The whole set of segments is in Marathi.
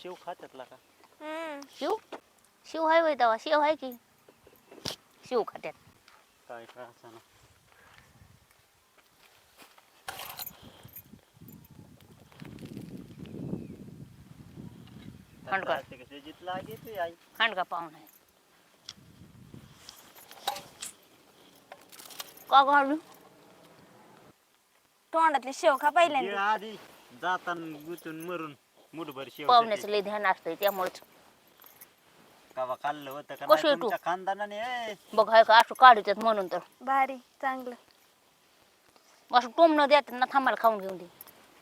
शेव खात्यातला का? शिव शिव हाय वय तवा शिव हाय की शिव खात्यात काय काय असं ना. हांडका कसे जितला घेते आई. हांडका पाहुणा आहे का गाडू तोंडातली शेव खा गिळ पहिल्यांदा. आधी जाताना गुतून मरून मुठभर शेव पाहुण्याचं लय ध्यान असतंय त्यामुळेच कवा खाल्लं होतं का कशी नाही आहे तू? तुमच्या खानदानाने? बघ हाय का असं काढतात म्हणून तर भारी चांगलं. असं टोमणं देतात ना थांबायला खाऊन घेऊन दे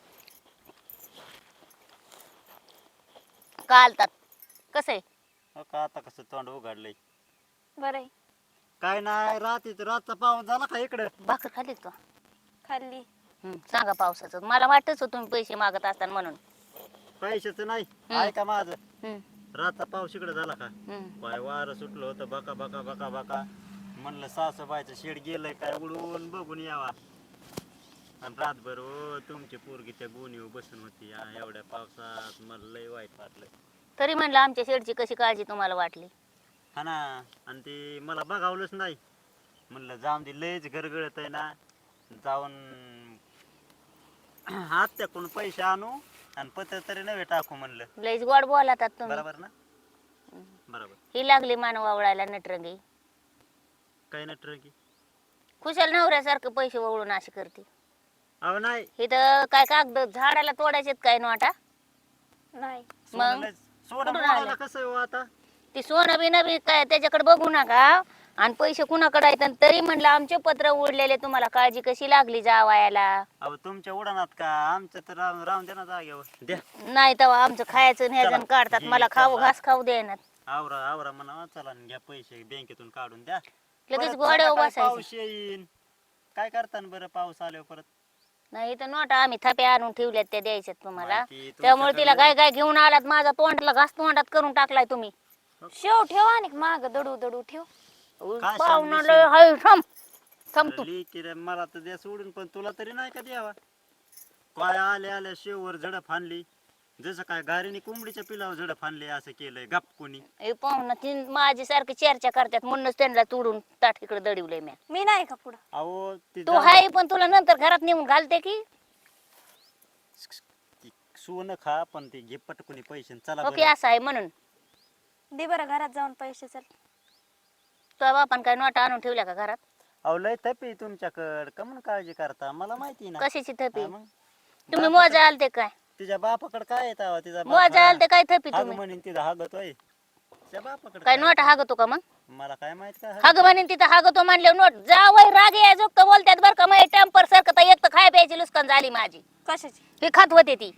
कालतात कसं आहे हो का आता कसं तोंड उघडलंय. बरं काय नाही रातचा पाऊस झाला का इकडं? भाकर खाल्ली का खाल्ली. सांगा पावसाचं मला वाटतच तुम्ही पैसे मागत असताना म्हणून पैशाचं नाही हम्म. ऐका माझं. हम्म, रातचा पाऊस इकडे झाला का? हम्म. पाय वारं सुटलं होतं बका बका बका बका. म्हणलं सासूबाईचं शेड गेलंय काय उडवून बघून यावा. आणि रातभर हो तुमची पोरगी त्या गोणीवर बसून होती या एवढ्या पावसात. मला लय वाईट वाटलं. तरी म्हणलं आमच्या शेडची कशी काळजी तुम्हाला वाटली हा ना. आणि ते मला बघावलंच नाही. म्हणलं जाऊन दे लयच गरगळत आहे ना. जाऊन आत्याकडून पैसे आणू आणि पत्र तरी नव्हे टाकू म्हणलं. लयच गोड बोलातात तुम्ही बरोबर ना? बरोबर. ही लागली मानव आवळायला नटरंगी काही नाही ट्रकी. खुशाल नवऱ्यासारखं पैसे वळून अशी करते अहो नाही. इथं काय कागद झाडाला तोडायचे काय नोटा नाही मग सोनं कुठून मोडायला आलं? कसं आहे हो आता? ती सोनं बिनं बी काय त्याच्याकडे बघू नका आणि पैसे कुणाकडे आहेत आणि तरी म्हणलं आमचे पत्र उडलेले तुम्हाला काळजी कशी लागली जावायला अहो तुमच्या उडाणात का आमचं तर राहून द्या ना जागेवर द्या. नाही तेव्हा आमचं खायचं चला, न्यायचं काढतात घे, मला खाऊ चला. घास खाऊ देणार आवरा आवरा म्हणा चला आणि घ्या पैसे बँकेतून काढून द्या. लगेच परत घोड्यावर सांगा काय बसायचं पाऊस येईन. काय करता न बरं पाऊस आल्यावर परत? नाही तर नोटा आम्ही थप्या आणून ठेवल्यात त्या द्यायच्यात तुम्हाला माहिती त्यामुळे तिला तुमच्याकडे- काय काय घेऊन आलात माझा तोंडला घास तोंडात करून टाकलाय तुम्ही शेव ठेव आणि माग दडू दडू ठेव. काय पाहुणा सांगलीस? लय हाय थांब तू लेकी रे, मला तर द्या सोडून पण तुला तरी नाही का द्यावा? काय आल्या आल्या शेववर झडप आणली. जसं काय गारीने कोंबडीच्या पिलावर झडप आणली असं केलंय गप कोणी. हे पाहुणा ती माझी सारखी चर्चा करतात म्हणूनच त्यांना तोडून ताट इकडे दडवलंय मी मी नाही का पुढं. अहो ती तू हाय पण तुला नंतर घरात नेऊन घालते की सोनं खा पण ते घे पटकुनी पैसे आणि चला ओके बरं. असं आहे म्हणून दे बरं घरात जाऊन पैसे चल. तुझ्या बापान काय नोटा आणून ठेवल्या का घरात अहो लय तपी तुमच्याकडं का म्हणून काळजी करता मला माहिती ना. कशाची थपी हा मग. तुम्ही बापाकडं- मोजा आलते काय तिच्या बापाकडे काय येत तिचा मोजा आलते काय थपी हाग तुम्ही म्हणून तिचा हागतोय तिच्या बापाकडे काय नोटा हागतो का मग मला काय माहित काय हाग म्हणेन तिथं हागतो म्हणले नोट जावय राग यायचो का बोलतात बरं का मग टेम्पर सारखं तर एक तर खाय प्यायची लुस्कान झाली माझी कशाची? हे खात होते ती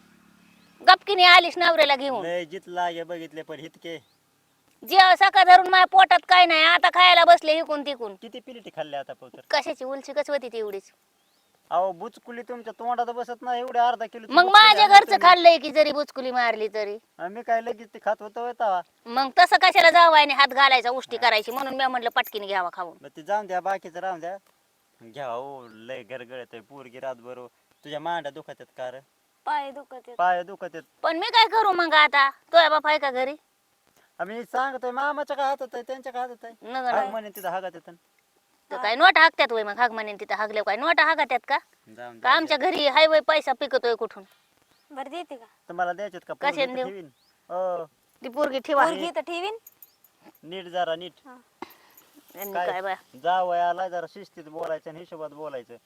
गपकीने आलीस नवऱ्याला घेऊन लय जित लागे बघितले पण इतके जे सकाळ धरून माझ्या पोटात काय नाही आता खायला बसले इकून तिकून किती पिलिटी खाल्ले आता पोतर. कशाची उलची कच होती ती एवढीच अहो बुचकुली तुमच्या तोंडात बसत नाही एवढे अर्धा किलो मग माझ्या घरचं खाल्लंय की जरी बुचकुली मारली तरी मी काय लगेच ते खात होतो तवा. मग तसं कशाला जावायने हात घालायचा उष्टी करायची म्हणून मी म्हणलं पटकीने घ्यावा खाऊन मग ते जाऊन द्या बाकीचं राहून द्या. घ्या हो लय गरगळत आहे पोरगी रातभर तुझ्या मांड्या दुखत आहेत का रे? पाय दुखत आहेत. पाय दुखत आहेत. पण मी काय करू मग आता तोय बाप आहे का घरी आम्ही सांगतोय मामाच्या काय हातात आहे त्यांच्या काय हातात आहे नग हाग म्हणे तिथं हागत येतं. तर काय नोटा हाकत्यात वय मग हाग म्हणेन तिथं हागले काय नोटा हागत्यात का जाऊन का द्या. आमच्या घरी हायवे पैसा पिकतोय कुठून बरं देते का? तुम्हाला द्यायचेत का कशाने पोरगी तर देऊ? ठेवीन. हो ती पोरगी ठेवा पोरगी तर ठेवीन. नीट जरा नीट हा. आणि काय? काय बाय जावयाला जरा शिस्तीत बोलायचं आणि हिशोबात बोलायचं.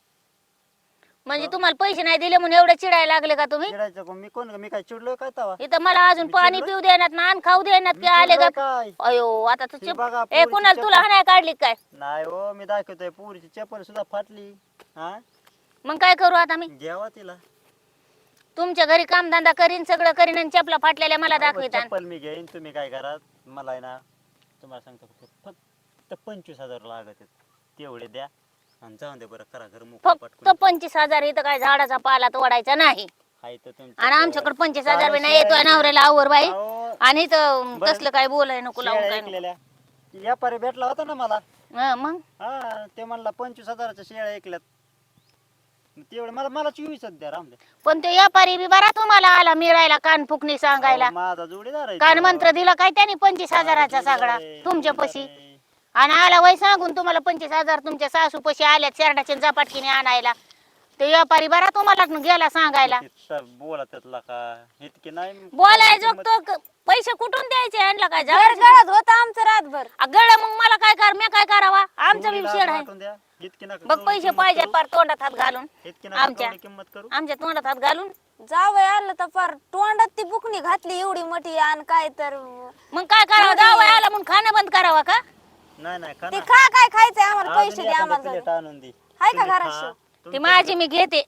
म्हणजे तुम्हाला पैसे नाही दिले म्हणून एवढे चिडायला लागले का तुम्ही चिडायचं कोण? मी काय चिडलोय काय तवा? इथं मला अजून मी पाणी चिडलोय? पिऊ देणार ना आणि खाऊ देणार मी की आले चिडलोय का काय? अयो आता तू हे बघा, ए पोरीची कुणाला तुला चप्पल. हाणाय काढली काय नाही हो मी दाखवतोय पुरीची चप्पल सुद्धा फाटली. हा मग काय करू आता मी घ्यावा तिला. तुमच्या घरी कामधंदा करीन सगळं करीन आणि चपला फाटलेल्या मला अहो, दाखविता चप्पल मी घेईन तुम्ही काय करा मला आहे ना तुम्हाला सांगतो फक्त 25,000 लागत आहेत तेवढे द्या आणि जाऊन दे बरं करा घर मोकळं फक्त पटकून. 25,000 इथं काय झाडाचा पाला तोडायचा नाही हाय तर तुमचं आणि तर. आमच्याकडे 25,000 सारं नाही येतोय शेळ्या- नवऱ्याला आवर बाई अहो, आणि इथं बरं. तसलं काय बोलाय नको लावून शेळ्या काय नको. ऐकलेल्या व्यापारी भेटला होता ना मला. हं, मग हा ते म्हणला 25,000च्या शेळ्या ऐकल्यात. तेवढं मला मला 24 द्या राम द्या. पण तो व्यापारी बी बरा तुम्हाला आला मिळायला कान फुकणी सांगायला. अहो, माझा जोडीदार आहे कान तो. मंत्र दिला काय त्याने 25,000चा जोडीदार सगळा आहे, तुमच्या जोडीदार पशी. आहे. आणि आला वय सांगून तुम्हाला 25,000 तुमच्या सासू पशी आल्यात शेरडाच्या झपाटकीने आणायला. ते व्यापारी बरा तुम्हाला गेला सांगायला. बोलतला का इतके नाही बोलायचो तो पैसे कुठून द्यायचे आणला काय घर जाऊ गळत होता आमचं रातभर. गळ मग मला काय कर मी काय करावा आमचा बी शेड आहे. द्या इतके नका बघ कवडी पैसे किंमत पाहिजे करू. पार तोंडात हात घालून इतके नका आमच्या. कवडी किंमत करू. आमच्या तोंडात हात घालून जावई आलं तर फार तोंडात ती बुकणी घातली एवढी मोठी आणि काय तर मग काय करावं जावं आला म्हणून खाणं बंद करावा का. नाही खा ते ना. खा काय खायचंय आम्हाला अजून पैसे द्या एखादं आम्हाला प्लेट जाऊ. आणून दे. हाय का तुम्ही घरात खा. शिव? ती तुमचं माझी मी घेते.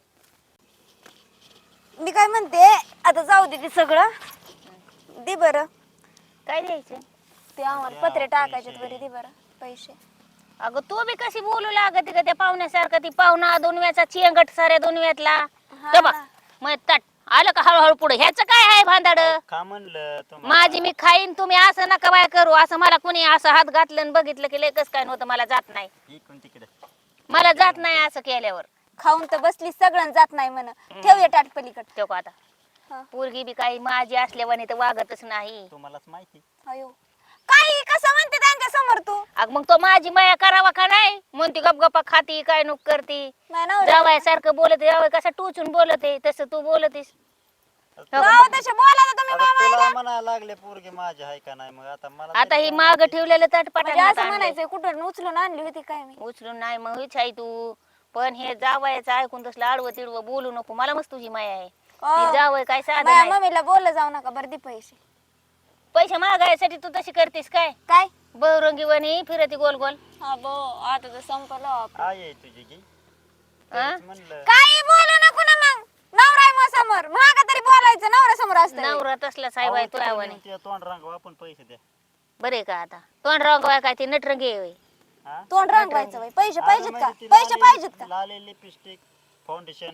मी काय म्हणते आता जाऊ दे ते सगळं दे बरं. काय द्यायचं ते आम्हाला द्या पत्रे टाकायचे पैसे. बरे दे बरं पैसे. अगं तू बी कशी बोलू लागत का त्या पाहुण्यासारखं. ती पाहुणा दोनव्याचा चेंगट साऱ्या दोनव्यातला हा ते बघ ना. मग तट आलं का हळूहळू पुढे ह्याच काय आहे भांदाड. खा म्हणलं तुम्हाला. माझी मी खाईन तुम्ही असं नका बाय करू. असं मला कुणी असं हात घातलं आणि बघितलं की लेकच काय नव्हतं मला जात नाही. इकडून तिकडे मला जात नाही असं केल्यावर. खाऊन तर बसली सगळं जात नाही म्हण. ठेवूया टाट पलीकड. तो का हा. आता पोरगी बी काही माझी असल्यावानी तर वागतच नाही. तुम्हालाच माहिती. अयो काही कसं म्हणते त्यांच्या समोर तू. अग मग तो माझी माया करावा का नाही म्हणती गपगपा खाती काय नुक करती. नाही नवरा. जावाय सारखं बोलत जावाय कसं टोचून बोलत आहे तसं तू बोलतीस. जाऊ तसे बोला ना तुम्ही आता मामा. तुला म्हणायला लागले पोरगे माझे आहे का नाही मग आता मला आता तरी ही काय माग माहिती. ठेवलेलं म्हणजे तटपटा असं म्हणायचंय कुठं उचलून आणली होती काय मी. उचलून नाही मग हेच आहे तू. पण हे जावायचं ऐकून तसलं आडवं तिडवं बोलू नको. मला मस्त तुझी माया आहे. हे जावय काय साधं माझ्या नाही. मम्मीला बोललं जाऊ नका बरं दे पैसे. पैसे मागायसाठी तू तशी करतीस काय काय बहुरंगी वणी फिरती गोल गोल. हा बो आता तर संपलं आपलं. आई आहे तुझी की हा? तेच म्हणलं काही बोलू नको ना मग. नवरा आहे मग समोर मागा तरी बोलायचं नवरा समोर असतं. नवरा तसला साहेब आहे अहो, तू तिकडे आवणी. नेऊन ते तोंड रंगवा आपण पैसे द्या. बरे का आता तोंड रंगवाय काय ते नटरंगी आहे. हा? तोंड रंगवायचं बाई. पैसे अगं पाहिजेत का म्हणजे ती पैसे लाली- पाहिजेत का. लाली लिपस्टिक फाउंडेशन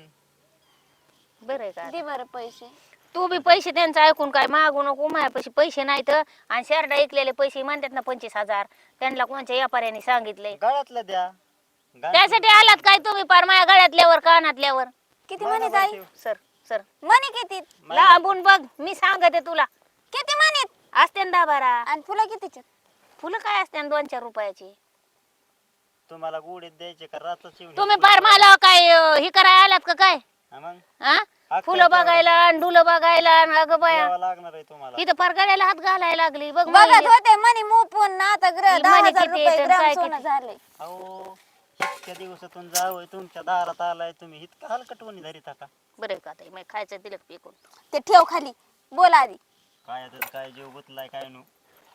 बरं का दे बरं पैसे. तू बी पैसे त्यांचं ऐकून काय मागू नको. माझ्यापाशी पैसे नाहीत आणि शेरडा ऐकलेले पैसे म्हणतात ना 25,000 त्यांना कोणत्या व्यापाऱ्याने सांगितलंय. गळ्यातलं द्या. त्यासाठी आलात काय तुम्ही पार माझ्या गळ्यातल्यावर कानातल्यावर. किती म्हणीत आई. सर सर मनी किती लांबून बघ मी सांगते तुला. किती म्हणीत असते ना 10-12 आणि फुलं कितीचे. फुलं काय असते 2-4 रुपयाची. तुम्हाला गुढीत द्यायचे का रातच येऊन तुम्ही पार मला काय हे करायला आलात का काय हा मग हा हक्क फुलं आहे बघायला आणि डुलं बघायला आणि अगं बाया द्यावं लागणार आहे तुम्हाला. इथं फार गळ्याला हात घालायला लागली बघ बघत माझी. होते मनी मोपून ना आता ही 10,000 मनी किती रुपये येतं, ग्राम काय सोनं किती? झालंय. अहो इतक्या दिवसातून जावं तुमच्या दारात आलाय तुम्ही इतकं हलकटवणी धरीत का बरं का ताई, मग खायचं दिलं का पिकून. ते ठेव खाली बोल आधी. काय आता काय जीव गुतलाय काय नु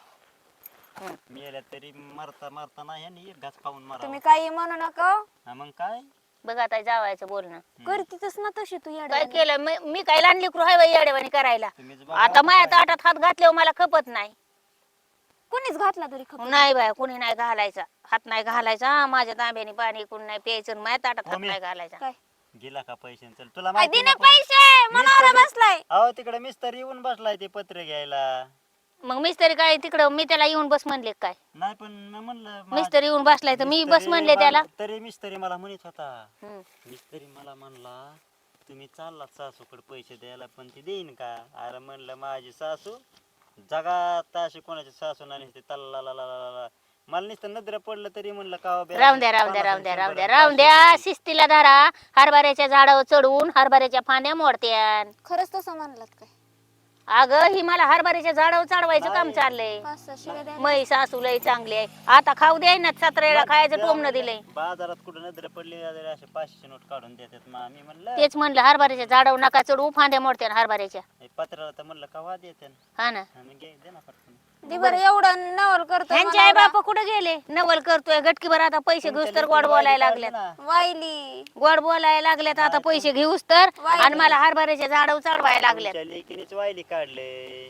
हं. मेल्या तरी मरता मरता नाही आणि एक घास खाऊन मारा. तुम्ही काही म्हणू नका हो. मग काय बघ आता जावायचं बोलणं करतीतच ना तशी तू काय येडा. केलं मी काय लहान लेकरू आहे बाई येडेवाणी करायला. तुम्हीच बघा आता माझ्या ताटात हात घातल्यावर मला खपत नाही. कुणीच घातला तरी खबर. नाही बाय कुणी नाही घालायचा हात नाही घालायचा. माझ्या तांब्याने पाणी कुणी नाही प्यायचं आणि माझ्या ताटात हात मम्मी. नाही घालायचा. काय गेला का पैसे चल तुला काय माहिती दिने नको? पैसे मनावर मिस्त्री- बसलाय. अहो तिकडे मिस्तर येऊन बसलाय ते पत्र घ्यायला. मग मिस्त्री काय तिकडं मी त्याला येऊन बस म्हणले काय. नाही पण मी म्हणलं मिस्त्री येऊन बसलाय तर मी बस म्हणले त्याला. तरी मिस्त्री मला म्हणत होता हम्म. मिस्त्री मला म्हणला तुम्ही चाललात सासूकडे पैसे द्यायला पण ती देईन का. अरे म्हणलं माझी सासू जगात अशी कोणाची सासू नाही नुसती तल्ला मला नुसतं नजर पडलं तरी म्हणलं का हो बे, राहून द्या राहून द्या 50 राहून द्या राहून द्या 100 राहून द्या. शिस्तीला धरा. हरभऱ्याच्या झाडावर चढवून हरभऱ्याच्या फांद्या मोडत्यान. खरंच तसं म्हणलात काय. अगं ही मला हरभऱ्याच्या झाडावर चढवायचं काम नाही. चाललंय. 500 शिव्या द्यायला. मै सासू लय चांगली आहे. आता खाऊ द्याय ना सतरेला खायचं टोमणं दिलंय. बाजारात कुठं नजर पडली असे 500 नोट काढून देतात मग आम्ही म्हणलं तेच म्हणलं हरभऱ्याच्या झाडावर नका चढवू फांद्या मोडत्यान हरभऱ्याच्या. हे पत्राला तर म्हणलं का वाद येते हा ना. आम्ही घे दे ना पटकन. दे बरं एवढं नवल करतो. ह्यांचे आई बाप कुठे गेले. नवल करतोय गटकीभर आता पैसे घेऊस तर गोड बोलायला लागल्यात. वाईली गोड बोलायला लागल्यात आता पैसे घेऊस तर आणि मला हरभऱ्याच्या झाडावर चढवायला लागल्यात. तुमच्या लेकीनेच वायली काढले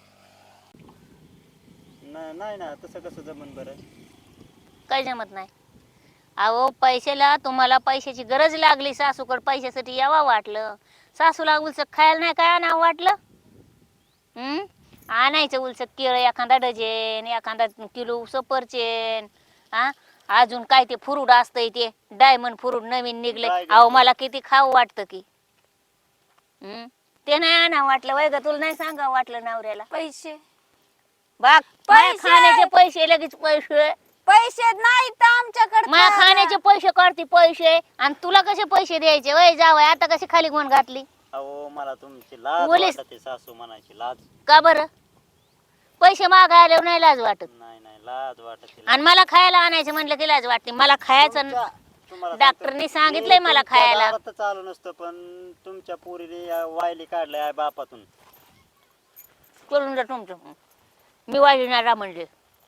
नाही ना तसं कसं जमन बरं. काही जमत नाही. अहो पैशाला तुम्हाला पैशाची गरज लागली सासूकडे पैशासाठी यावा वाटलं. सासूला उलसक खायला नाही काय आणावं वाटलं. आणायचं उलसक केळं एखादा डझन एखादा किलो सफरचंद. हा अजून काय ते फ्रूट असतंय ते डायमंड फ्रूट नवीन निघले. Dragon अहो fruit. मला किती खाऊ वाटतं की. ते नाही आणा वाटलं वय ग तुला नाही सांगा वाटलं नवऱ्याला. पैसे बाग पैसे! खाण्याचे पैसे लगेच पैसे पैसे नाहीत आमच्याकडे माझ्या खायला. खाण्याचे पैसे काढते पैसे आणि तुला कसे पैसे द्यायचे वय जावय आता कशी खाली गुण घातली अहो मला तुमची लाज बोलीस. वाटते सासू म्हणायची लाज. का बरं पैसे मागायला नाही लाज वाटत नाही नाही लाज वाटते. आणि मला खायला आणायचं म्हणलं की लाज वाटते मला खायचं तुम्हाला डॉक्टरनी सांगतो, सांगितलंय मी मला तुमच्या खायला. दारात तर चालू नसतं पण तुमच्या पोरीने वायली काढलंय आहे बापातून. करून द्या तुमचं मी वाजणार म्हणले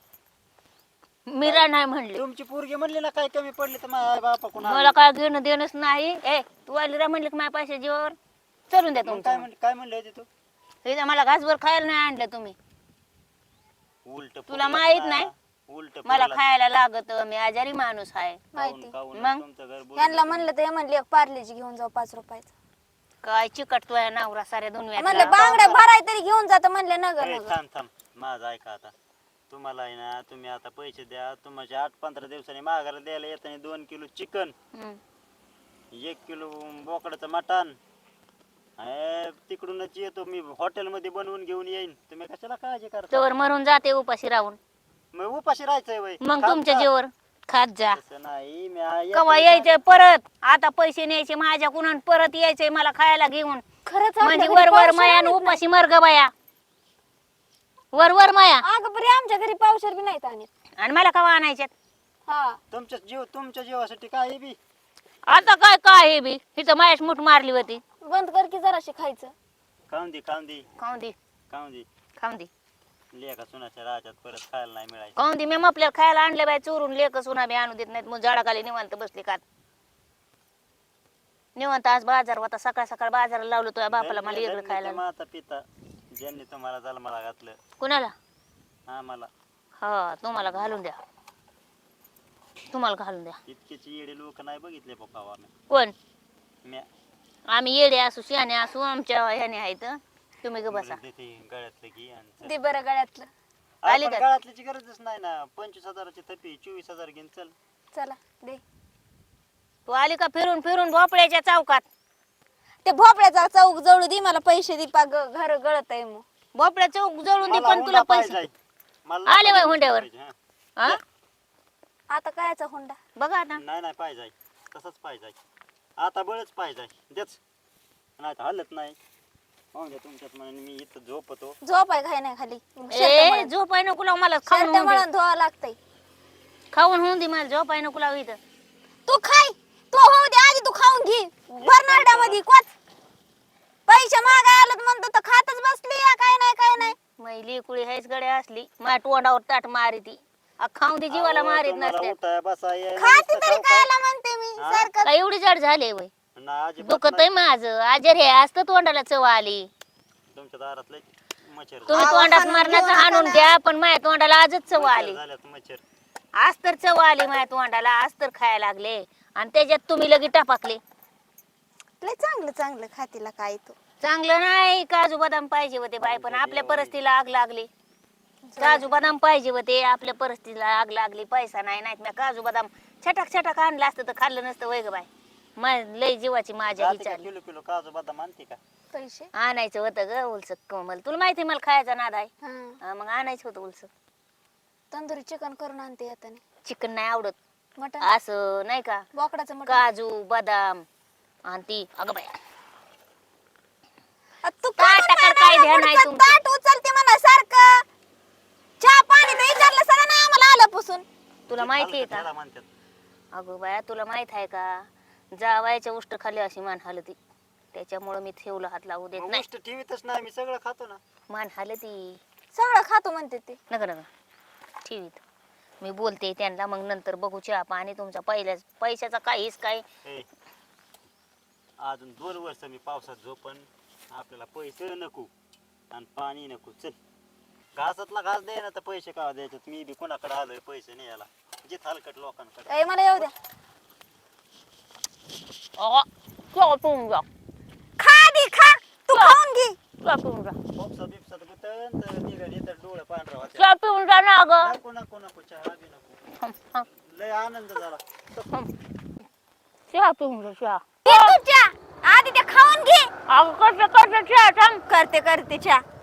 मीरा नाही म्हणले तुमची पोरगी म्हणली ना काय कमी पडली तर माझ्या बापाकडून मला काय घेणं देणंच नाही. ए तू वालीरा म्हणले की माझ्या पैसे जीवावर चलून द्या तुमचं काय म्हणले होते तू इथं मला घासभर खायला नाही आणलं तुम्ही. उलट तुला माहित नाही? उलट मला खायला लागत मी आजारी माणूस आहे. माहिती मग? यांना यांना म्हणलं तर हे म्हणले एक पार्लेजी घेऊन जाऊ 5 रुपयाचं. काय चिकटतोय नवरा साऱ्या म्हणलं दुनिया बांगड्या भराय तरी घेऊन जात म्हणले नगर नगर. थांब थांब माझं ऐका आता. तुम्हाला आहे ना तुम्ही आता पैसे द्या. तुम्हाला 8-15 दिवसांनी माघारा द्यायला येताना 2 किलो चिकन 1 किलो बोकडाचं मटण तिकडूनच येतो मी हॉटेलमध्ये बनवून घेऊन येईन. तुम्ही कशाला काळजी करता? तवर मरून जाते उपाशी राहून मग उपाशी राहायचंय वय मग तुमच्या जीवर खात जा. तसं नाही मी कवा यायचंय परत आता पैसे न्यायचे माझ्या कुणान परत यायचंय मला खायला घेऊन खरंच म्हणजे आपल्या वर घरी वर पावशेर माया आणि आणत उपाशी मर्ग बाया वर वर माया नाही. अगं बरे आमच्या घरी पावशेर बी नाहीत आणत. आणि मला कवा आणायच्यात. हा तुमच्या जीवासाठी काय बी आता काय काय हे बी हिचं मायाच मुठ मारली होती. बंद कर की जराशी खायचं. खाऊन दे खाऊन दे खाऊन दे खाऊन दे लेखा सुनाच्या राज्यात परत खायला नाही मिळायचं. खाऊन दे. मी आपल्याला खायला आणले बाय चोरून लेक सुना बी आणू देत नाहीत. मग झाडाखाली निवांत बसले का निवांत. आज बाजार होता सकाळ सकाळ बाजाराला लावलं तुझ्या बापाला मला वेगळं खायला. माता पिता ज्यांनी तुम्हाला जन्माला घातलं कुणाला आम्हाला हा तुम्हाला घालून द्या तुम्हाला घालून द्या. इतकेच येडे लोक नाही बघितले पप्पा आम्ही. कोण म्या आम्ही येडे असू शहाणे असू आमच्या ह्याने आहेत. तुम्ही ग बसा. देते गळ्यातलं घे आणि चल. दे बरं गळ्यातलं. आली आपण का? गळ्यातल्याची गरजच नाही ना. 25,000ची थपी 24,000 घेऊन चल. चला दे. तू आली का फिरून फिरून भोपळ्याच्या चौकात. ते भोपळ्याचा चौक जवळ दे मला पैसे दे पा घर गळत आहे मग. भोपळ्या चौक जळून दे मला पण तुला हुंडा पैसे पाहिजे. मला आले बाई हुंड्यावर. पाहिजे, हा. हा? आता कायचा हुंडा. बघा आता नाही पाहिजे तसंच पाहिजे. आता बळच पाहिजे देच नाही तर हलत नाही. पाहून द्या तुमच्यात म्हणून मी इथं झोपतो. झोप आहे काय नाही खाली. ए झोप आहे नको लावू मला खाऊन होऊन दे. म्हणून धुवा लागतंय. खाऊन होऊन दे मला झोप आहे नको लावू इथं. तू खाय तू होऊ दे आधी तू खाऊन घे. बर्नार्डामध्ये कोच पैसे मागाय आलं म्हणतो तर खातच बसली या काय नाही. मैली कुळी हेच गड्या असली माझ्या तोंडावर ताट मारी ती खाऊन दे जीवाला अहो, मारीत तुम्हाला नसते. उठाय, बसाय, खाते नुसतं तरी खाऊ खायला म्हणते मी हा? सारखं. काय एवढी जड झाले वय ना अजिबात दुखत नाही. आहे माझं आजारी आहे असतं तोंडाला चव आली. तुमच्या दारात लय मच्छर तुम्ही आवा तोंडात हाणून मारण्याचं घेऊ नका हाणून ना. घ्या पण माझ्या तोंडाला आजच चव आली. झाल्यात मच्छर. आज तर चव आली माझ्या तोंडाला आज तर खायला लागले आणि त्याच्यात तुम्ही लगेच टापाकले. लय चांगलं खातीला काय तू. चांगलं नाही काजू बदाम पाहिजे होते बाय पण आपल्या परिस्थितीला आग लागली. काजू बदाम पाहिजे होते आपल्या परिस्थितीला आग लागली. पैसा नाही नाहीत मी काजू बदाम छटाक आणलं असतं तर खाल्लं नसतं वय ग बाय. लय जीवाची माझ्या जाते का विचारली किलो काजू बदाम आणते का? पैसे आणायचं होतं ग उलसक कोमल तुला माहिती मला खायचा नाद आहे. हा हा, मग आणायचं होतं उलसक. तंदुरी चिकन करून आणते येताने. चिकन नाही आवडत मटन असं नाही का बोकडाचं मटन. काजू बदाम आणि ती अगं बाया तू ताट टाकायला काय ध्यान आहे तुमचं? ताट उचलते म्हणा सारखं. चहा पाणी तर विचारलं सगळं ना आम्हाला आलं पुसून. तुला माहिती आहे का त्याला म्हणतात. अगं बाया तुला माहित आहे का जावायच्या उष्ट खाली अशी मान हलती त्याच्यामुळे मी ठेवलं हात लावू देत मग नाही. गोष्ट ठेवीतच नाही मी सगळं खातो ना. मान हलती सगळं खातो म्हणते ते. नका ठेवीत मी बोलते त्यांना मग नंतर बघू चहा पाणी तुमचा पैशाचा काहीच काय. ए, अजून 2 वर्ष मी पावसात झोपन. आपल्याला पैसे नको आणि पाणी नको. चल घासातला घास दे ना तर पैसे का द्यायचे. मी बी कोणाकडे आलोय पैसे नाही याला जिथ हलकट लोकांकडे. ए मला येऊ द्या. पिऊन जा खा दे खा तू खाऊन घे. पिऊन जा पोपसा बिपसात गुतन तर निघाली तर डोळे पांढरा होते. पिऊन जा ना अगं. नको चहा बी नको. लय लय आनंद झाला. चहा पिऊन घे चहा. घे तू चहा. आधी ते खाऊन घे. अगं कसं कसं चहा सांग. करते चहा.